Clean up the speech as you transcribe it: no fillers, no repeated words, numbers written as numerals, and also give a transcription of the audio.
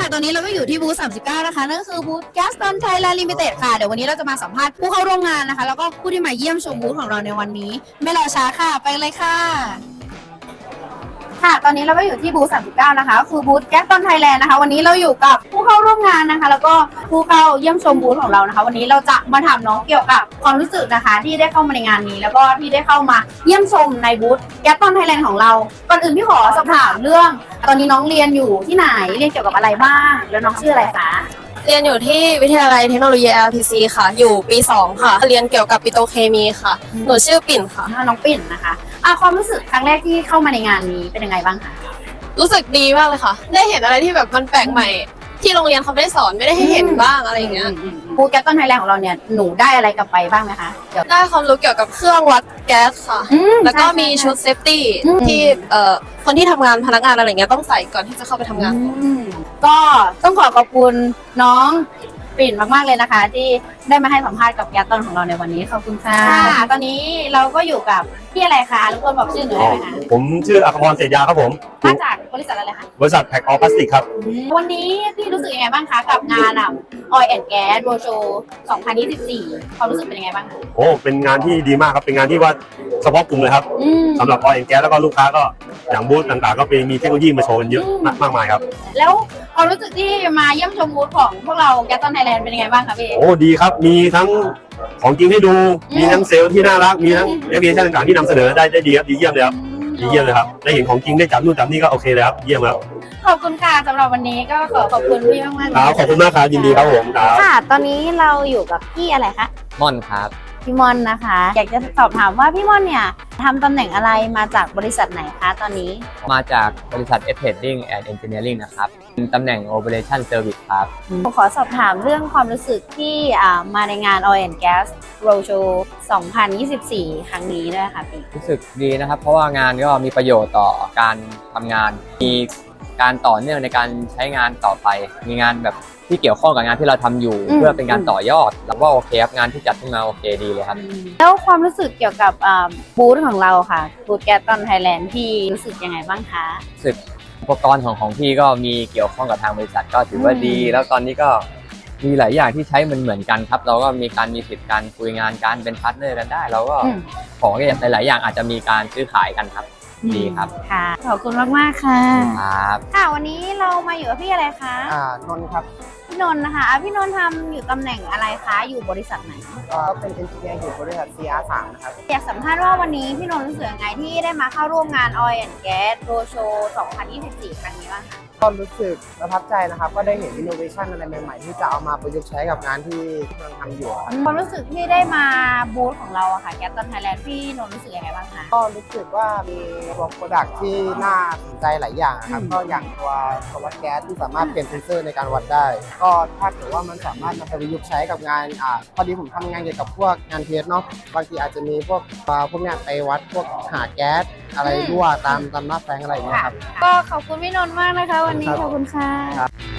ค่ะตอนนี้เราก็อยู่ที่บูธ39นะคะนั่นก็คือบูธ Gaston Thailand Limited ค่ะเดี๋ยววันนี้เราจะมาสัมภาษณ์ผู้เข้าร่วมงานนะคะแล้วก็ผู้ที่มาเยี่ยมชมบูธของเราในวันนี้ไม่รอช้าค่ะไปเลยค่ะค่ะตอนนี้เราก็อยู่ที่บูธ39นะคะก็คือบูธ Gaston Thailand นะคะวันนี้เราอยู่กับผู้เข้าร่วมงานนะคะแล้วก็ผู้เข้าเยี่ยมชมบูธของเรานะคะวันนี้เราจะมาถามน้องเกี่ยวกับความรู้สึกนะคะที่ได้เข้ามาในงานนี้แล้วก็ที่ได้เข้ามาเยี่ยมชมในบูธ Gaston Thailand ของเราก่อนอื่นพี่ขอสอบถามเรื่องตอนนี้น้องเรียนอยู่ที่ไหนเรียนเกี่ยวกับอะไรบ้างแล้วน้องชื่ออะไรคะเรียนอยู่ที่วิทยาลัยเทคโนโลยี LTC ค่ะ อยู่ปี 2 ค่ะ เรียนเกี่ยวกับปิโตรเคมีค่ะ หนูชื่อปิ่นค่ะน้องปิ่นนะคะความรู้สึกครั้งแรกที่เข้ามาในงานนี้เป็นยังไงบ้างคะรู้สึกดีมากเลยค่ะ ได้เห็นอะไรที่แบบมันแปลกใหม่ ที่โรงเรียนเขาไม่ได้สอนไม่ได้ให้เห็นบ้างอะไรอย่างเงี้ยบูธแก๊สต้นไทยแลนด์ของเราเนี่ยหนูได้อะไรกลับไปบ้างไหมคะเดี๋ยวได้ความรู้เกี่ยวกับเครื่องวัดแก๊สค่ะ แล้วก็มีชุดเซฟตี้ที่คนที่ทำงานพนักงานอะไรเงี้ยต้องใส่ก่อนที่จะเข้าไปทำงานก็ต้องขอบคุณน้องปิ่นมากๆเลยนะคะ ที่ได้มาให้สัมภาษณ์กับแก๊สต้นของเราในวันนี้ขอบคุณค่ะตอนนี้เราก็อยู่กับพี่อะไรคะรบกวนบอกชื่อหนูได้ไหมคะผมชื่ออัครพรเศรษฐยาครับผมมาจากบริษัทอะไรคะบริษัทแพ็คออฟพลาสติกครับวันนี้พี่รู้สึกยังไงบ้างคะกับงานOil and Gas Roadshow 2024 ความรู้สึกเป็นยังไงบ้างคะโอ้เป็นงานที่ดีมากครับเป็นงานที่ว่าเฉพาะกลุ่มเลยครับสำหรับออยล์แอนด์แก๊สแล้วก็ลูกค้าก็อย่างบูธต่างๆ ก็เป็นมีเทคโนโลยีมาโชว์กันเยอะมากมายครับแล้วความรู้สึกที่มาเยี่ยมชมบูธของพวกเราแก๊สต้นไทยแลนด์เป็นยังไงบ้างคะพี่โอ้ดีครับมีทั้งของจริงให้ดูมีทั้งเซลล์ที่น่ารักมีทั้งแอปพลิเคชันต่างๆที่นำเสนอได้ดีครับดีเยี่ยมเลยครับดีเยี่ยมเลยครับได้เห็นของจริงได้จับนู่นจับนี่ก็โอเคเลยครับเยี่ยมครับขอบคุณค่ะสำหรับวันนี้ก็ขอบคุณพี่มากๆครับขอบคุณมากครับยินดีครับผมครับค่ะ ตอนนี้เราอยู่กับพี่อะไรคะม่อนครับพี่มอนนะคะ อยากจะสอบถามว่าพี่มอนเนี่ยทำตำแหน่งอะไรมาจากบริษัทไหนคะตอนนี้มาจากบริษัท S Trading and Engineering นะครับเป็นตำแหน่ง Operation Service ครับผมขอสอบถามเรื่องความรู้สึกที่มาในงาน Oil and Gas Roadshow 2024 ครั้งนี้ด้วยค่ะพี่รู้สึกดีนะครับ เพราะว่างานก็มีประโยชน์ต่อการทำงาน มีการต่อเนื่องในการใช้งานต่อไป มีงานแบบที่เกี่ยวข้องกับงานที่เราทำอยู่ เพื่อเป็นการต่อยอดแล้วว่าโอเคครับงานที่จัดขึ้นมาโอเคดีเลยครับแล้วความรู้สึกเกี่ยวกับบูธของเราค่ะบูธแก๊สต้นไทยแลนด์พี่รู้สึกยังไงบ้างคะรู้สึกอุปกรณ์ของพี่ก็มีเกี่ยวข้องกับทางบริษัทก็ถือว่าดี แล้วตอนนี้ก็มีหลายอย่างที่ใช้เหมือนกันครับ เราก็มีสิทธิ์การคุยงานการเป็นพาร์ทเนอร์กันได้เราก็ของหลายๆอย่างอาจจะมีการซื้อขายกันครับดีครับค่ะขอบคุณมากๆค่ะครับค่ะวันนี้เรามาอยู่กับพี่อะไรคะนนท์ครับพี่นนท์นะคะพี่นนท์ทำอยู่ตำแหน่งอะไรคะอยู่บริษัทไหนก็เป็นเอนจิเนียร์อยู่บริษัท CR3 นะครับอยากสัมภาษณ์ว่าวันนี้พี่นนท์รู้สึกยังไงที่ได้มาเข้าร่วมงาน Oil and Gas Roadshow 2024 ครั้งนี้บ้างคะก็รู้สึกประทับใจนะครับ ก็ได้เห็นอินโนเวชันอะไรใหม่ๆ ที่จะเอามาประยุกต์ใช้กับงานที่กำลังทำอยู่ครับความรู้สึกที่ได้มาบูธของเราอะค่ะ Gaston Thailand พี่นนท์รู้สึกยังไงบ้างคะก็รู้สึกว่ามีตัวโปรดักที่น่าสนใจหลายอย่างนะครับ ก็อย่างตัววัดแก๊สที่สามารถเปลี่ยนเซนเซอร์ในการวัดได้ ก็ถ้าเกิดว่ามันสามารถนำไปประยุกต์ใช้กับงานพอดีผมทำงานเกี่ยวกับพวกงานเทสเนาะ บางทีอาจจะมีพวกเนี้ยไปวัดพวกหาแก๊สอะไรรั่วตามหน้าแฟงอะไรอย่างเงี้ยครับก็ขอบคุณพี่นนท์มากนะคะวันนี้ขอบคุณค่ะ